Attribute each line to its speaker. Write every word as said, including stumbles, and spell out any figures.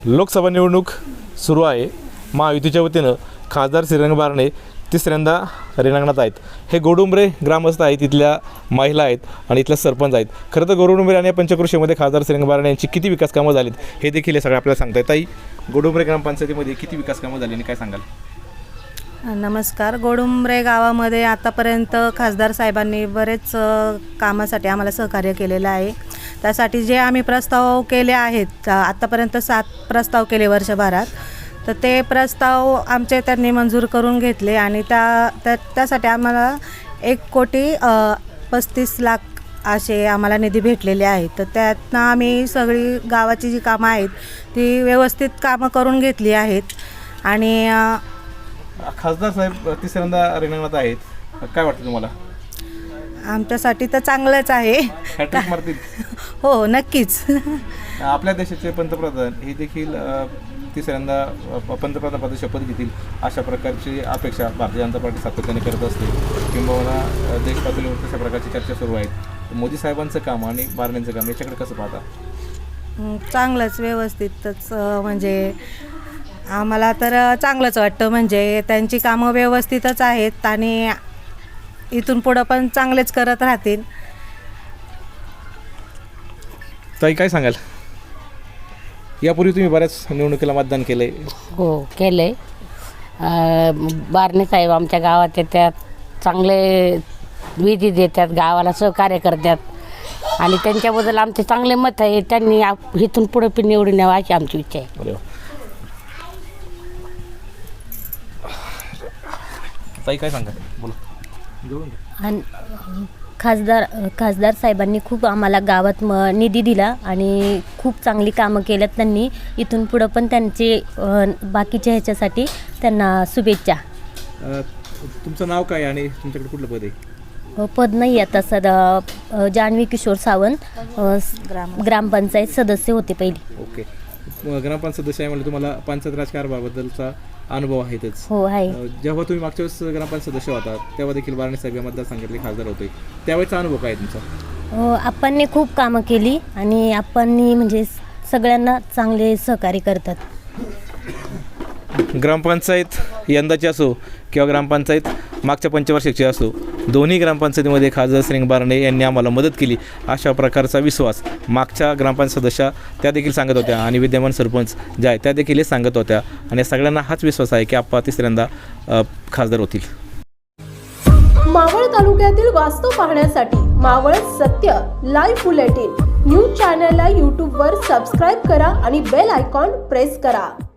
Speaker 1: लोकसभा निवडणूक सुरू आहे। महायुतीच्या वतीनं खासदार श्रीरंग बारणे तिसऱ्यांदा रिंगणात आहेत। हे गोडुंबरे ग्रामस्थ आहेत, इथल्या महिला आहेत आणि इथल्या सरपंच आहेत। खरं तर गोडुंबरे आणि पंचक्रोशीमध्ये खासदार श्रीरंग बारणे यांची किती विकास कामं झालीत हे देखील हे सगळं आपल्याला सांगता येत आहे। गोडुंबरे ग्रामपंचायतीमध्ये किती विकास कामं झाली आणि काय सांगाल?
Speaker 2: नमस्कार। गोडुंबरे गावामध्ये आतापर्यंत खासदार साहेबांनी बरेच कामासाठी आम्हाला सहकार्य केलेलं आहे। त्यासाठी जे आम्ही प्रस्ताव केले आहेत, आतापर्यंत सात प्रस्ताव केले वर्षभरात, तर ते प्रस्ताव आमचे त्यांनी मंजूर करून घेतले आणि त्या त्या त्यासाठी आम्हाला एक कोटी पस्तीस लाख असे आम्हाला निधी भेटलेले आहेत। तर त्यातनं आम्ही सगळी गावाची जी कामं आहेत ती व्यवस्थित कामं करून घेतली आहेत। आणि
Speaker 1: खासदार साहेब तिसऱ्यांदा रिंगणात आहेत, काय वाटतं तुम्हाला?
Speaker 2: आमच्यासाठी तर चांगलंच आहे।
Speaker 1: हॅट्रिक मारतील?
Speaker 2: हो, नक्कीच।
Speaker 1: आपल्या देशाचे पंतप्रधान हे देखील तिसऱ्यांदा पंतप्रधान पद शपथ घेतील अशा प्रकारची अपेक्षा भारतीय जनता पार्टी सातत्याने करत असते, किंबहुना देश पातळीवर तशा प्रकारची चर्चा सुरू आहे। मोदी साहेबांचं काम आणि बारण्यांचं काम याच्याकडे कसं पाहता?
Speaker 2: चांगलंच, व्यवस्थितच, म्हणजे आम्हाला तर चांगलंच वाटतं। म्हणजे त्यांची कामं व्यवस्थितच आहेत आणि इथून पुढं पण चांगलेच करत राहतील।
Speaker 1: ताई, काय सांगाल? यापूर्वी तुम्ही बऱ्याच निवडणुकीला मतदान केलं आहे?
Speaker 3: हो, केलं आहे। बारणे साहेब आमच्या गावात येतात, चांगले विधी देतात, गावाला सहकार्य करतात आणि त्यांच्याबद्दल आमचे चांगले मत आहे। त्यांनी इथून पुढे पण निवडून यावं अशी आमची इच्छा आहे।
Speaker 1: ताई, काय सांगा? बोला।
Speaker 4: आणि खासदार खासदार साहेबांनी खूप आम्हाला गावात म निधी दिला आणि खूप चांगली कामं केल्यात त्यांनी। इथून पुढं पण त्यांचे बाकीच्या ह्याच्यासाठी त्यांना शुभेच्छा।
Speaker 1: तुमचं नाव काय आणि तुमच्याकडे कुठलं पद आहे?
Speaker 4: पद नाही आता सदा जान्हवी किशोर सावंत, ग्रामपंचायत सदस्य होते पहिली।
Speaker 1: ओके, ग्रामपंचायत सदस्य आहे म्हणजे तुम्हाला पंचायत राजकारणाबद्दलचा अनुभव आहेतच?
Speaker 4: हो, आहे।
Speaker 1: जेव्हा तुम्ही मागच्या वेळेस ग्रामपंचायत सदस्य होता तेव्हा देखील बारणे साहेब या मतदारसंघातले खासदार होते, त्यावेळेचा अनुभव काय तुमचा?
Speaker 4: आपणने खूप कामं केली आणि आपणनी म्हणजे सगळ्यांना चांगले सहकार्य करतात।
Speaker 1: ग्रामपंचायत यंदाची असो किंवा ग्रामपंचायत मागच्या पंचवार्षिकची असो, दोन्ही ग्रामपंचायतीमध्ये खासदार श्रीरंग बारणे यांनी आम्हाला मदत केली अशा प्रकारचा विश्वास मागच्या ग्रामपंचायत सदस्या त्या देखील सांगत होत्या आणि विद्यमान सरपंच ज्या आहेत त्या देखील हे सांगत होत्या आणि सगळ्यांना हाच विश्वास आहे की आप्पा तिसऱ्यांदा खासदार होतील।
Speaker 5: मावळ तालुक्यातील वास्तव पाहण्यासाठी मावळ सत्य लाईव्ह बुलेटिन न्यूज चॅनलला यूट्यूबवर सबस्क्राईब करा आणि बेल आयकॉन प्रेस करा।